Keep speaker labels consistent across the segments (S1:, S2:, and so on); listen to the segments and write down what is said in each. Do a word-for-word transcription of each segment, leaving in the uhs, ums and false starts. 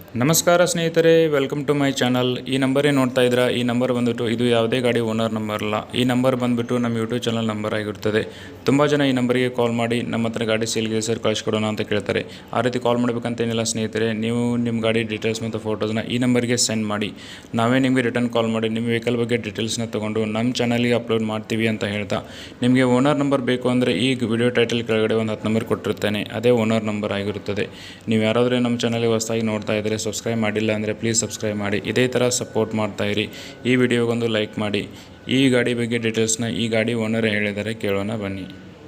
S1: ನಮಸ್ಕಾರ ಸ್ನೇಹಿತರೆ, welcome to my channel. ಈ ನಂಬರೇ ನೋಡ್ತಾ ಇದ್ದೀರಾ. ಈ ನಂಬರ್ ಬಂದುಬಿಟ್ಟು ಇದು ಯಾವುದೇ ಗಾಡಿ ಓನರ್ ನಂಬರ್ ಅಲ್ಲ. ಈ ನಂಬರ್ ಬಂದುಬಿಟ್ಟು ನಮ್ಮ ಯೂಟ್ಯೂಬ್ ಚಾನಲ್ ನಂಬರ್ ಆಗಿರುತ್ತದೆ. ತುಂಬ ಜನ ಈ ನಂಬರಿಗೆ ಕಾಲ್ ಮಾಡಿ ನಮ್ಮ ಹತ್ರ ಗಾಡಿ ಸೇಲ್ಗೆ ಸರ್ ಕಳಿಸ್ಕೊಡೋಣ ಅಂತ ಕೇಳ್ತಾರೆ. ಆ ರೀತಿ ಕಾಲ್ ಮಾಡಬೇಕಂತೇನಿಲ್ಲ ಸ್ನೇಹಿತರೆ. ನೀವು ನಿಮ್ಮ ಗಾಡಿ ಡೀಟೇಲ್ಸ್ ಮತ್ತು ಫೋಟೋಸ್ನ ಈ ನಂಬರ್ಗೆ ಸೆಂಡ್ ಮಾಡಿ, ನಾವೇ ನಿಮಗೆ ರಿಟರ್ನ್ ಕಾಲ್ ಮಾಡಿ ನಿಮ್ಮ ವೆಹಿಕಲ್ ಬಗ್ಗೆ ಡೀಟೇಲ್ಸ್ನ ತೊಗೊಂಡು ನಮ್ಮ ಚಾನಲ್ಗೆ ಅಪ್ಲೋಡ್ ಮಾಡ್ತೀವಿ ಅಂತ ಹೇಳ್ತಾ, ನಿಮಗೆ ಓನರ್ ನಂಬರ್ ಬೇಕು ಅಂದರೆ ಈ ವಿಡಿಯೋ ಟೈಟಲ್ ಕೆಳಗಡೆ ಒಂದು ಹತ್ತು ನಂಬರ್ ಕೊಟ್ಟಿರ್ತೇನೆ, ಅದೇ ಓನರ್ ನಂಬರ್ ಆಗಿರುತ್ತದೆ. ನೀವು ಯಾರಾದರೂ ನಮ್ಮ ಚಾನಲ್ಗೆ ಹೊಸದಾಗಿ ನೋಡ್ತಾ ಇದ್ದರೆ, ಸಬ್ಸ್ಕ್ರೈಬ್ ಮಾಡಿಲ್ಲ ಅಂದರೆ ಪ್ಲೀಸ್ ಸಬ್ಸ್ಕ್ರೈಬ್ ಮಾಡಿ. ಇದೇ ಥರ ಸಪೋರ್ಟ್ ಮಾಡ್ತಾಯಿರಿ. ಈ ವಿಡಿಯೋಗೊಂದು ಲೈಕ್ ಮಾಡಿ. ಈ ಗಾಡಿ ಬಗ್ಗೆ ಡೀಟೇಲ್ಸ್ನ ಈ ಗಾಡಿ ಓನರ್ ಹೇಳಿದರೆ ಕೇಳೋಣ ಬನ್ನಿ.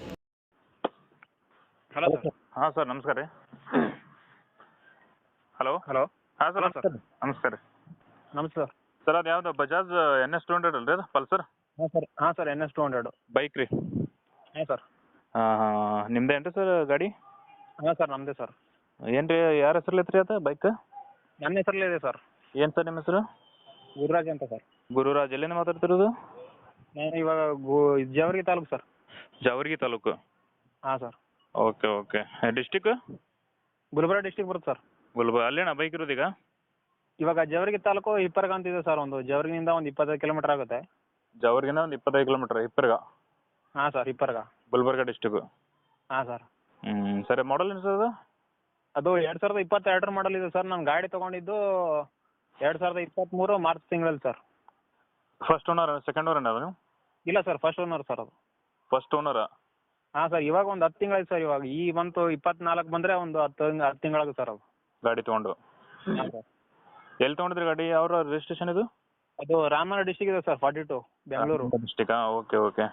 S2: Hello sir.
S3: ಹಾಂ ಸರ್, ನಮಸ್ಕಾರ ರೀ. ಹಲೋ
S2: ಹಲೋ
S3: ಹಾಂ ಸರ್,
S2: ಹಲೋ
S3: ನಮಸ್ಕಾರ. ನಮಸ್ಕಾರ ರೀ
S2: ನಮಸ್ತೆ ಸರ್.
S3: ಸರ್, ಅದು ಯಾವುದು Bajaj N S two hundred ಅಲ್ರಿ, ಅದು ಪಲ್ಸರ್
S2: ಹಾಂ ಸರ್ ಹಾಂ sir N S two hundred
S3: bike ರೀ?
S2: ಹಾಂ ಸರ್.
S3: ಹಾಂ ಹಾಂ ನಿಮ್ದೇ ಏನು ರೀ ಸರ್ ಗಾಡಿ?
S2: ಹಾಂ ಸರ್ ನಮ್ಮದೇ ಸರ್.
S3: ಏನು ರೀ, ಯಾರ ಹೆಸರಲ್ಲಿ ಐತ್ರಿ ಅದು ಬೈಕ್?
S2: ನನ್ನ ಹೆಸರಲ್ಲೇ ಇದೆ ಸರ್.
S3: ಏನು ಸರ್ ನಿಮ್ಮ ಹೆಸರು?
S2: ಗುರುರಾಜ್ ಅಂತ ಸರ್.
S3: ಗುರುರಾಜ್. ಎಲ್ಲಿಂದ ಮಾತಾಡ್ತಿರೋದು?
S2: ನಾನು ಇವಾಗ ಗು ಜವರ್ಗಿ ತಾಲೂಕು ಸರ್.
S3: ಜಾವರ್ಗಿ ತಾಲೂಕು.
S2: ಹಾಂ sir.
S3: Okay okay. District?
S2: Gulbarga district ಬರುತ್ತೆ ಸರ್.
S3: ಗುಲ್ಬರ್ಗ. ಅಲ್ಲೇನಾ ಬೈಕ್ ಇರೋದು ಈಗ?
S2: ಇವಾಗ ಜವರ್ಗಿ ತಾಲೂಕು ಹಿಪ್ಪರ್ಗ ಅಂತ ಇದೆ ಸರ್. ಒಂದು ಜವರ್ಗಿನಿಂದ ಒಂದು ಇಪ್ಪತ್ತೈದು ಕಿಲೋಮೀಟರ್ ಆಗುತ್ತೆ.
S3: ಜಾವರ್ಗಿನ ಒಂದು ಇಪ್ಪತ್ತೈದು ಕಿಲೋಮೀಟ್ರ್. ಹಿಪ್ಪರ್ಗ?
S2: ಹಾಂ ಸರ್, ಹಿಪ್ಪರ್ಗ.
S3: ಗುಲ್ಬರ್ಗ ಡಿಸ್ಟಿಕ್ಕು.
S2: ಹಾಂ ಸರ್.
S3: ಹ್ಞೂ ಸರಿ. ಮಾಡಲ್ ಏನು ಸರ್ ಅದು?
S2: ಅದು ಎರಡು ಸಾವಿರದ ಇಪ್ಪತ್ತೆರಡರ ಮಾಡಲ್ ಇದೆ ಸರ್. ನಾನು ಗಾಡಿ ತೊಗೊಂಡಿದ್ದು ಎರಡು ಸಾವಿರದ ಇಪ್ಪತ್ತ್ಮೂರು ಮಾರ್ಚ್ ತಿಂಗಳಲ್ಲಿ sir.
S3: First owner second owner ಅದು ನೀವು?
S2: ಇಲ್ಲ ಸರ್, ಫಸ್ಟ್ ಓನರ್ ಸರ್ ಅದು.
S3: ಫಸ್ಟ್ ಓನರಾ?
S2: ಹಾಂ ಸರ್. ಇವಾಗ ಒಂದು ಹತ್ತು ತಿಂಗಳಾಯ್ತು ಸರ್. ಇವಾಗ ಈ ಬಂತು ಇಪ್ಪತ್ನಾಲ್ಕು ಬಂದರೆ ಒಂದು ಹತ್ತು ಹತ್ತು ತಿಂಗಳಾಗುತ್ತೆ ಸರ್ ಅದು
S3: ಗಾಡಿ ತೊಗೊಂಡು.
S2: ಹಾಂ ಸರ್.
S3: ಎಲ್ಲಿ ತೊಗೊಂಡಿದ್ರಿ ಗಾಡಿ? ಯಾವ ರಿಜಿಸ್ಟ್ರೇಷನ್ ಇದು?
S2: ಅದು ರಾಮನಗರ ಡಿಸ್ಟಿಕ್ ಇದೆ ಸರ್, ಫಾರ್ಟಿ ಟು ಬೆಂಗಳೂರು
S3: ಡಿಸ್ಟಿಕಾ? Okay okay.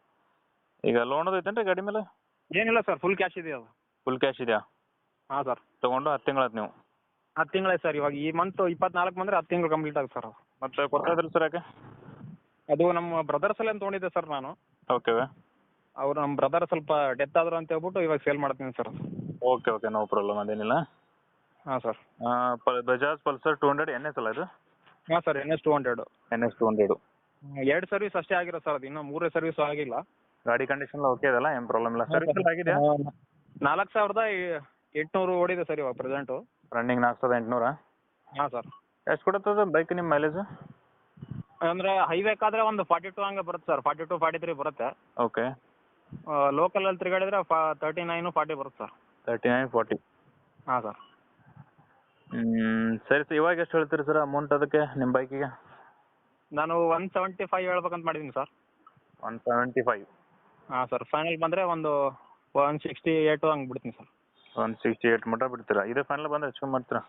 S3: ಈಗ ಲೋನ್ ಅದು ಐತೇನ್ರಿ ಗಾಡಿ ಮೇಲೆ?
S2: ಏನಿಲ್ಲ ಸರ್, ಫುಲ್ ಕ್ಯಾಶ್ ಇದೆ ಅದು.
S3: ಫುಲ್ ಕ್ಯಾಶ್ ಇದೆಯಾ?
S2: ಹಾಂ ಸರ್.
S3: ತೊಗೊಂಡು ಹತ್ತು ತಿಂಗಳಾಯ್ತು ನೀವು?
S2: ಹತ್ತು ತಿಂಗಳಾಯ್ತು ಸರ್. ಇವಾಗ ಈ ಮಂತ್ ಇಪ್ಪತ್ನಾಲ್ಕು ಬಂದರೆ ಹತ್ತು ತಿಂಗಳು ಕಂಪ್ಲೀಟ್ ಆಗುತ್ತೆ ಸರ್ ಅದು.
S3: ಮತ್ತೆ ಕೊಡ್ತಾ ಇದ್ರಿ ಸರ್ ಯಾಕೆ?
S2: ಅದು ನಮ್ಮ ಬ್ರದರ್ಸ್ ಎಲ್ಲ ತೊಗೊಂಡಿದ್ದೆ ಸರ್ ನಾನು.
S3: ಓಕೆ
S2: ಅವರು ನಮ್ಮ ಬ್ರದರ್ ಸ್ವಲ್ಪ ಡೆತ್ ಆದರು ಅಂತ ಹೇಳ್ಬಿಟ್ಟು ಇವಾಗ ಸೇಲ್ ಮಾಡ್ತೀನಿ sir.
S3: Okay okay, no problem, ಅದೇನಿಲ್ಲ.
S2: ಹಾಂ sir.
S3: Bajaj Pulsar two hundred N S ಅಲ್ಲ ಇದು?
S2: ಹಾಂ sir, N S two hundred.
S3: N S two hundred.
S2: ಎರಡು ಸರ್ವಿಸ್ ಅಷ್ಟೇ ಆಗಿರೋ ಸರ್ ಅದು, ಇನ್ನೂ ಮೂರೇ ಸರ್ವಿಸು ಆಗಿಲ್ಲ.
S3: ಗಾಡಿ ಕಂಡೀಷನ್ ಓಕೆ ಇದೆಲ್ಲ, ಏನು ಪ್ರಾಬ್ಲಮ್ ಇಲ್ಲ. ಸರ್ವಿಸ್ ಆಗಿದೆಯಾ?
S2: ನಾಲ್ಕು ಸಾವಿರದ ಎಂಟುನೂರು ಓಡಿದೆ ಸರ್ ಇವಾಗ ಪ್ರೆಸೆಂಟು.
S3: ರನ್ನಿಂಗ್ ನಾಲ್ಕು ಸಾವಿರದ ಎಂಟುನೂರಾ?
S2: ಹಾಂ ಸರ್.
S3: ಎಷ್ಟು ಕೊಡುತ್ತದೆ ಬೈಕ್ ನಿಮ್ಮ ಮೈಲೇಜ್?
S2: ಅಂದರೆ ಹೈವೇಕಾದರೆ ಒಂದು ಫಾರ್ಟಿ ಟು ಹಂಗೆ ಬರುತ್ತೆ sir. Forty two forty three ಬರುತ್ತೆ.
S3: ಓಕೆ.
S2: ಲೋಕಲಲ್ಲಿ ತಿರುಗಾಡಿದ್ರೆ ಫಾ ತರ್ಟಿ ನೈನು ಫಾರ್ಟಿ ಬರುತ್ತೆ ಸರ್.
S3: Thirty nine forty.
S2: ಹಾಂ ಸರ್.
S3: ಹ್ಞೂ ಸರಿ ಸರ್. ಇವಾಗ ಎಷ್ಟು ಹೇಳ್ತೀರಿ ಸರ್ ಅಮೌಂಟ್ ಅದಕ್ಕೆ ನಿಮ್ಮ ಬೈಕಿಗೆ?
S2: ನಾನು ಒನ್ ಸೆವೆಂಟಿ ಫೈವ್ ಹೇಳ್ಬೇಕಂತ ಮಾಡಿದ್ದೀನಿ ಸರ್.
S3: One seventy five?
S2: ಹಾಂ ಸರ್. ಫೈನಲ್ ಬಂದರೆ ಒಂದು ಒನ್ ಸಿಕ್ಸ್ಟಿ ಏಯ್ಟು ಹಂಗೆ ಬಿಡ್ತೀನಿ ಸರ್.
S3: ಒನ್ ಸಿಕ್ಸ್ಟಿ ಏಯ್ಟ್ ಮಟ್ಟ ಬಿಡ್ತೀರಾ? ಇದೇ ಫೈನಲ್ ಬಂದರೆ ಹೆಚ್ಚು ಕಮ್ಮಿ ಮಾಡ್ತೀರಾ?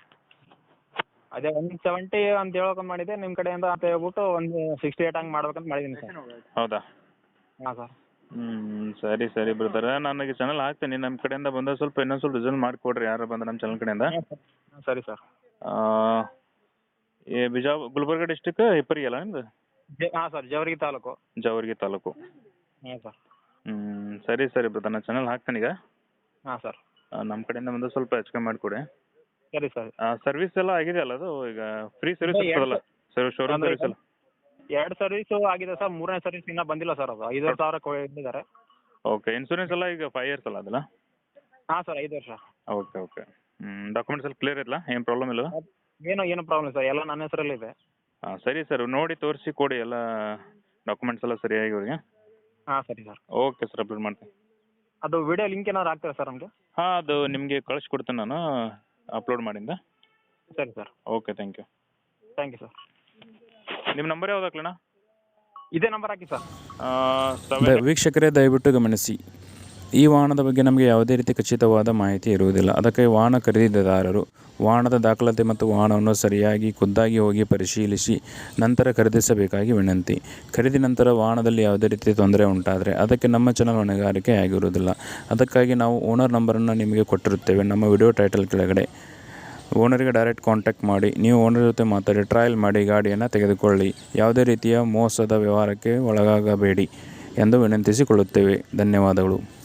S2: ಅದೇ ಒನ್ ಸೆವೆಂಟಿ ಅಂತ ಹೇಳ್ಬೇಕಂತ ಮಾಡಿದ್ದೆ, ನಿಮ್ಮ ಕಡೆಯಿಂದ ಅಂತ ಹೇಳ್ಬಿಟ್ಟು ಒಂದು ಸಿಕ್ಸ್ಟಿ ಏಯ್ಟ್ ಹಂಗೆ ಮಾಡ್ಬೇಕಂತ ಮಾಡಿದ್ದೀನಿ ಸರ್.
S3: ಹೌದಾ?
S2: ಹಾಂ ಸರ್.
S3: ಹ್ಞೂ ಸರಿ ಸರಿ ಬ್ರದರ್, ನನಗೆ ಚಾನಲ್ ಹಾಕ್ತೀನಿ. ನಮ್ಮ ಕಡೆಯಿಂದ ಬಂದ ಸ್ವಲ್ಪ ಇನ್ನೊಂದು ಸ್ವಲ್ಪ ರಿಸಲ್ಟ್ ಮಾಡಿಕೊಡ್ರಿ ಯಾರು ಬಂದ್ರೆ ನಮ್ಮ ಚಾನಲ್ ಕಡೆಯಿಂದ.
S2: ಹಾಂ ಸರಿ ಸರ್.
S3: ಈ ಬಿಜಾ ಗುಲ್ಬರ್ಗ ಡಿಸ್ಟಿಕ್ ಹಿಪ್ಪರಿಗೆ ಅಲ್ಲ ನಿಮ್ದು?
S2: ಹಾಂ ಸರ್, ಜವರ್ಗಿ ತಾಲೂಕು.
S3: ಜಾವರ್ಗಿ ತಾಲೂಕು.
S2: ಹಾಂ ಸರ್.
S3: ಹ್ಞೂ ಸರಿ ಸರಿ ಬ್ರದರ್, ನಾನು ಚಾನಲ್ ಹಾಕ್ತೀನಿ ಈಗ.
S2: ಹಾಂ ಸರ್.
S3: ನಮ್ಮ ಕಡೆಯಿಂದ ಬಂದು ಸ್ವಲ್ಪ ಹೆಚ್ಚು ಕಮ್ಮಿ ಮಾಡಿಕೊಡಿ.
S2: ಸರಿ ಸರ್.
S3: ಸರ್ವಿಸ್ ಎಲ್ಲ ಆಗಿದೆಯಲ್ಲ ಅದು? ಈಗ ಫ್ರೀ ಸರ್ವಿಸ್ ಇರ್ತದಲ್ಲ ಸರ್, ಶೋರೂಮ್ ಸರ್ವಿಸ್ ಎಲ್ಲ?
S2: ಎರಡು ಸರ್ವಿಸು ಆಗಿದೆ ಸರ್. ಮೂರನೇ ಸರ್ವಿಸ್ ಇನ್ನೂ ಬಂದಿಲ್ಲ ಸರ್. ಅದು ಐದುವರೆ ಸಾವಿರ ಕೊಟ್ಟಿದ್ದಾರೆ.
S3: ಓಕೆ. ಇನ್ಸೂರೆನ್ಸ್ ಎಲ್ಲ ಈಗ ಫೈವ್ ಇಯರ್ಸ್ ಅಲ್ಲ ಅದಲ್ಲ?
S2: ಹಾಂ ಸರ್, ಐದು ವರ್ಷ.
S3: Okay okay. ಹ್ಞೂ ಡಾಕ್ಯುಮೆಂಟ್ಸ್ ಎಲ್ಲ ಕ್ಲಿಯರ್ ಇಲ್ಲ, ಏನು ಪ್ರಾಬ್ಲಮ್ ಇಲ್ಲ?
S2: ಏನು ಏನು ಪ್ರಾಬ್ಲಮ್ ಸರ್, ಎಲ್ಲ ನನ್ನ ಹೆಸರಲ್ಲಿದೆ.
S3: ಹಾಂ ಸರಿ ಸರ್, ನೋಡಿ ತೋರಿಸಿ ಕೊಡಿ ಎಲ್ಲ ಡಾಕ್ಯುಮೆಂಟ್ಸ್ ಎಲ್ಲ ಸರಿಯಾಗಿ ಅವ್ರಿಗೆ.
S2: ಹಾಂ ಸರಿ ಸರ್.
S3: ಓಕೆ ಸರ್, ಅಪ್ಲೋಡ್ ಮಾಡ್ತೀನಿ.
S2: ಅದು ವಿಡಿಯೋ ಲಿಂಕ್ ಏನಾದ್ರು ಹಾಕ್ತೀರಾ ಸರ್ ನಮಗೆ?
S3: ಹಾಂ, ಅದು ನಿಮಗೆ ಕಳಿಸ್ಕೊಡ್ತೀನಿ ನಾನು ಅಪ್ಲೋಡ್ ಮಾಡಿಂದ.
S2: ಸರಿ sir.
S3: Okay, thank you.
S2: Thank you sir.
S3: ನಿಮ್ಮ ನಂಬರ್ ಯಾವ್ದು ಹಾಕ್ಲಣ್ಣ?
S2: ಇದೇ ನಂಬರ್ ಹಾಕಿ ಸರ್.
S1: ದ- ವೀಕ್ಷಕರೇ ದಯವಿಟ್ಟು ಗಮನಿಸಿ, ಈ ವಾಹನದ ಬಗ್ಗೆ ನಮಗೆ ಯಾವುದೇ ರೀತಿ ಖಚಿತವಾದ ಮಾಹಿತಿ ಇರುವುದಿಲ್ಲ. ಅದಕ್ಕೆ ವಾಹನ ಖರೀದಿದಾರರು ವಾಹನದ ದಾಖಲಾತಿ ಮತ್ತು ವಾಹನವನ್ನು ಸರಿಯಾಗಿ ಖುದ್ದಾಗಿ ಹೋಗಿ ಪರಿಶೀಲಿಸಿ ನಂತರ ಖರೀದಿಸಬೇಕಾಗಿ ವಿನಂತಿ. ಖರೀದಿ ನಂತರ ವಾಹನದಲ್ಲಿ ಯಾವುದೇ ರೀತಿ ತೊಂದರೆ ಉಂಟಾದರೆ ಅದಕ್ಕೆ ನಮ್ಮ ಚಾನಲ್ ಹೊಣೆಗಾರಿಕೆ ಆಗಿರುವುದಿಲ್ಲ. ಅದಕ್ಕಾಗಿ ನಾವು ಓನರ್ ನಂಬರನ್ನು ನಿಮಗೆ ಕೊಟ್ಟಿರುತ್ತೇವೆ ನಮ್ಮ ವಿಡಿಯೋ ಟೈಟಲ್ ಕೆಳಗಡೆ. ಓನರಿಗೆ ಡೈರೆಕ್ಟ್ ಕಾಂಟ್ಯಾಕ್ಟ್ ಮಾಡಿ, ನೀವು ಓನರ್ ಜೊತೆ ಮಾತಾಡಿ ಟ್ರಯಲ್ ಮಾಡಿ ಗಾಡಿಯನ್ನು ತೆಗೆದುಕೊಳ್ಳಿ. ಯಾವುದೇ ರೀತಿಯ ಮೋಸದ ವ್ಯವಹಾರಕ್ಕೆ ಒಳಗಾಗಬೇಡಿ ಎಂದು ವಿನಂತಿಸಿಕೊಳ್ಳುತ್ತೇವೆ. ಧನ್ಯವಾದಗಳು.